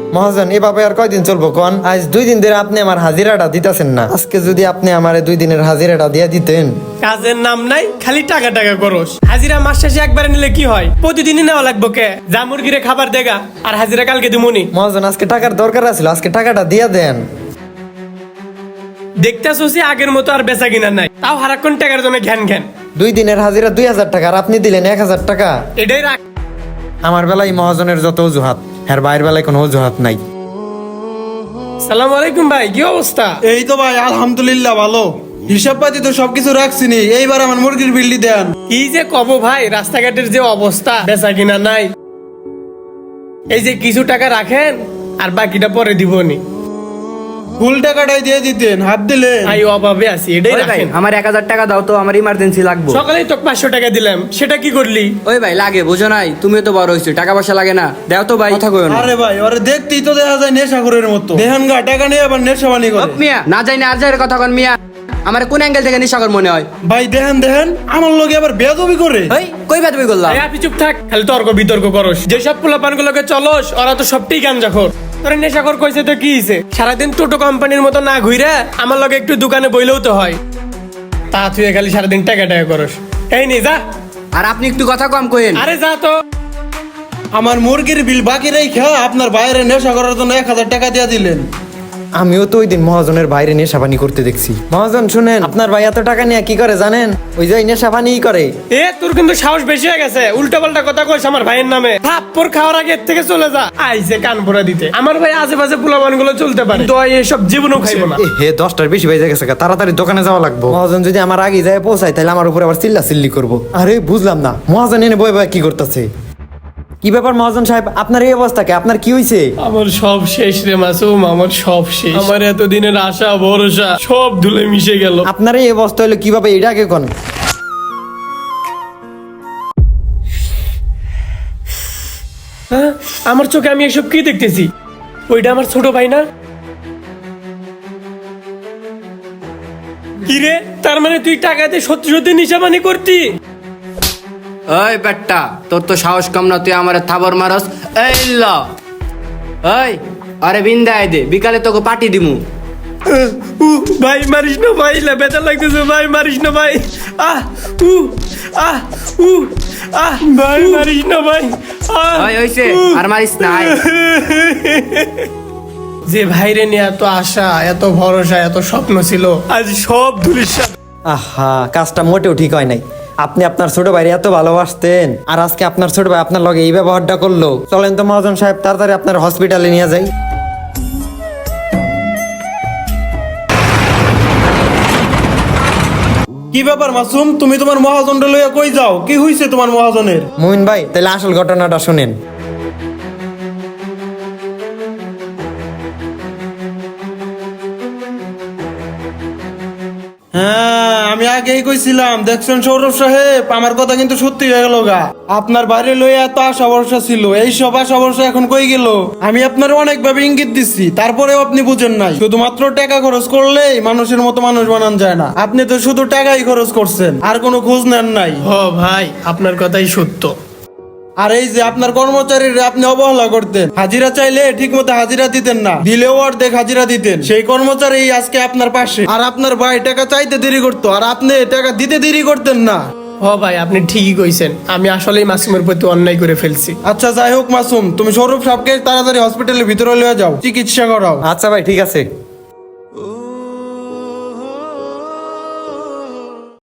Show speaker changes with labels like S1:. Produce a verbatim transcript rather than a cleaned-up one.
S1: মহাজন এভাবে আর কয়দিন চলবো কোন? আজ দুই দিন ধরে আপনি আমার হাজিরাটা দিতেছেন না। আজকে যদি আপনি আমারে দুই দিনের হাজিরাটা দিয়ে দিতেন।
S2: কাজের নাম নাই, খালি টাকা টাকা করস। হাজিরা মাস শেষে একবারে নিলে কি হয়? প্রতিদিনই নেওয়া লাগবো কে? যা মুরগিরে খাবার দেগা, আর হাজিরা কালকে দিমুনি।
S1: মহাজন আজকে টাকার দরকার আছিল, আজকে টাকাটা দিয়ে দেন।
S2: দেখতেছি আগের মতো আর বেচা কিনা নাই, তাও হারাক্ষণ টাকার জন্য ঘ্যান ঘ্যান।
S1: দুই দিনের হাজিরা দুই হাজার টাকা আর আপনি দিলেন এক হাজার টাকা।
S2: এটাই রাখ।
S1: আমার বেলায় মহাজনের যত অজুহাত, হ্যার বাইরের বেলায় কোনো অজুহাত নাই।
S2: সালাম আলাইকুম ভাই, কি অবস্থা?
S3: এই তো ভাই আলহামদুলিল্লাহ ভালো। হিসাব পাতি তো সবকিছু রাখছিনি, এইবার আমার মুরগির বিল্লি দেন।
S2: কি যে কব ভাই, রাস্তাঘাটের যে অবস্থা, বেচা কিনা নাই। এই যে কিছু টাকা রাখেন, আর বাকিটা পরে দিবনি।
S3: ফুল টাকাটাই দিয়ে দিতেন, হাত দিলে।
S2: আই অভাবে আছি, এটাই
S4: ওই ভাই
S2: রাখেন।
S4: আমার এক হাজার টাকা দাও তো, আমার ইমার্জেন্সি লাগবে।
S2: সকালেই তো পাঁচশো টাকা দিলাম, সেটা কি করলি?
S4: ওই ভাই লাগে, বুঝো নাই, তুমি তো বড় হইছো, টাকা পয়সা লাগে না, দাও তো ভাই, কথা কইও না।
S3: আরে ভাই ওরে দেখতেই তো দেখা যায় নেশাখোরের মতো। দেখেন গা টাকা নিয়ে আবার নেশাবানি করে।
S4: ওপ মিয়া, না যাই না আর যাই কথা কন মিয়া, আমার কোন অ্যাঙ্গেল থেকে নিশাকর মনে হয়?
S3: ভাই দেখেন দেখেন আমার লগে আবার বেয়াদবি করে।
S4: এই কই বাদ বই করলাম?
S2: এই আপনি চুপ থাক, খালি তর্ক বিতর্ক করস। যেসব পোলাপান গুলোকে চলস, ওরা তো সবটাই গাঞ্জাখোর। তোর নেশাখোর কইছে তো কি হইছে? সারাদিন টোটো কোম্পানির মতো না ঘুরে আমার লগে একটু দোকানে বইলেও তো হয়। তা তুই খালি সারাদিন টাকা টাকা করস। এই নে যা।
S4: আর আপনি একটু কথা কম কইেন।
S2: আরে যা তো।
S3: আমার মুরগির বিল বাকি রেখা আপনার বাইরে নেশা করার জন্য এক হাজার টাকা দিয়ে দিলেন।
S1: আমিও তো ওই দিন মহাজনের বাইরে নেশাপানি করতে দেখছি। মহাজন শুনেন, আপনার ভাই এত টাকা নিয়ে কি করে জানেন? ওই যে নেশাপানিই করে।
S2: এ তোর কিন্তু সাহস বেশি হয়ে গেছে, উল্টা পাল্টা কথা কইস আমার ভাইয়ের নামে। থাপ্পড় খাওয়ার আগে এর থেকে চলে যা। আইছে কান ভরা দিতে। আমার ভাই আশেপাশে পোলাপান গুলো চলতে পারে, তো এসব জীবনও খাইবো না।
S1: এ হে দশটার বেশি বেজে গেছে, তাড়াতাড়ি দোকানে যাওয়া লাগবে। মহাজন যদি আমার আগে যায় পৌঁছায় তাহলে আমার উপরে আবার চিল্লা চিল্লি করবো। আরে বুঝলাম না, মহাজন এনে বয়ে বয়ে কি করতেছে? কি ব্যাপার মহাজন সাহেব, আপনার এই অবস্থাকে আপনার কি হয়েছে?
S2: আমার সব শেষ রে মাসুম, আমার সব শেষ। আমার এতদিনের আশা ভরসা সব ধুলে মিশে গেল।
S1: আপনার এই অবস্থা হলো কিভাবে, এটা আগে কোন?
S2: হ্যাঁ, আমার চোখে আমি এসব কি দেখতেছি? ওইটা আমার ছোট ভাই না? কি রে, তার মানে তুই টাকাতে সত্যি সত্যি নিশামানি করতি?
S4: ওই বেটা, তোর তো সাহস কম না, তুই আমারে থাবর মারস। এই ল ওই আরে বিন্দায় দে, বিকালে তোকে পার্টি দিমু।
S2: উ ভাই মারিস না ভাই, ব্যথা লাগতেছে ভাই, মারিস না ভাই। আহ উ আহ উ আহ ভাই মারিস না ভাই। আহ
S4: ওই হইছে, আর মারিস না, আয়।
S2: যে ভাইরে নিয়ে এত আশা, এত ভরসা, এত স্বপ্ন ছিল, আজ সব ধুলিস্যাৎ।
S1: আহা, কাজটা মোটেও ঠিক হয় নাই। আপনি আপনার ছোট ভাই এত ভালোবাসতেন, আর আজকে আপনার ছোট ভাই আপনার লগে এই ব্যবহারটা করলো। চলেন তো মহাজন সাহেব, তাড়াতাড়ি আপনার হসপিটালে নিয়ে যাই।
S3: কি ব্যাপার মাসুম, তুমি তোমার মহাজনটা লইয়া কই যাও? কি হইছে তোমার মহাজনের?
S1: মুমিন ভাই, তাহলে আসল ঘটনাটা শুনেন।
S3: হ্যাঁ আমি আগেই কইছিলাম, দেখছেন সৌরভ সাহেব, আমার কথা কিন্তু সত্যি হয়ে গেল গা। আপনার বাইরে লইয়া এত আশা ভরসা ছিল, এই সব আশা ভরসা এখন কই গেল? আমি আপনার অনেক ভাবে ইঙ্গিত দিচ্ছি, তারপরেও আপনি বুঝেন নাই। শুধুমাত্র টাকা খরচ করলেই মানুষের মতো মানুষ বানান যায় না। আপনি তো শুধু টাকাই খরচ করছেন, আর কোনো খোঁজ নেন নাই।
S2: ও ভাই, আপনার কথাই সত্য।
S3: আর এই যে আপনার কর্মচারীরা আপনি অবহেলা করতেন, হাজিরা চাইলে ঠিক মতো হাজিরা দিতেন না, দিলেও অর্ধেক হাজিরা দিতেন। সেই কর্মচারী আজকে আপনার পাশে। আর আপনার ভাই টাকা চাইতে দেরি করতো, আর আপনি টাকা দিতে দেরি করতেন না।
S2: ও ভাই, আপনি ঠিকই কইছেন, আমি আসলেই মাসুমের প্রতি অন্যায় করে ফেলছি।
S3: আচ্ছা যাই হোক মাসুম, তুমি সৌরভ সাহেবকে তাড়াতাড়ি হসপিটালের ভিতরে লয়ে যাও, চিকিৎসা করাও।
S1: আচ্ছা ভাই, ঠিক আছে।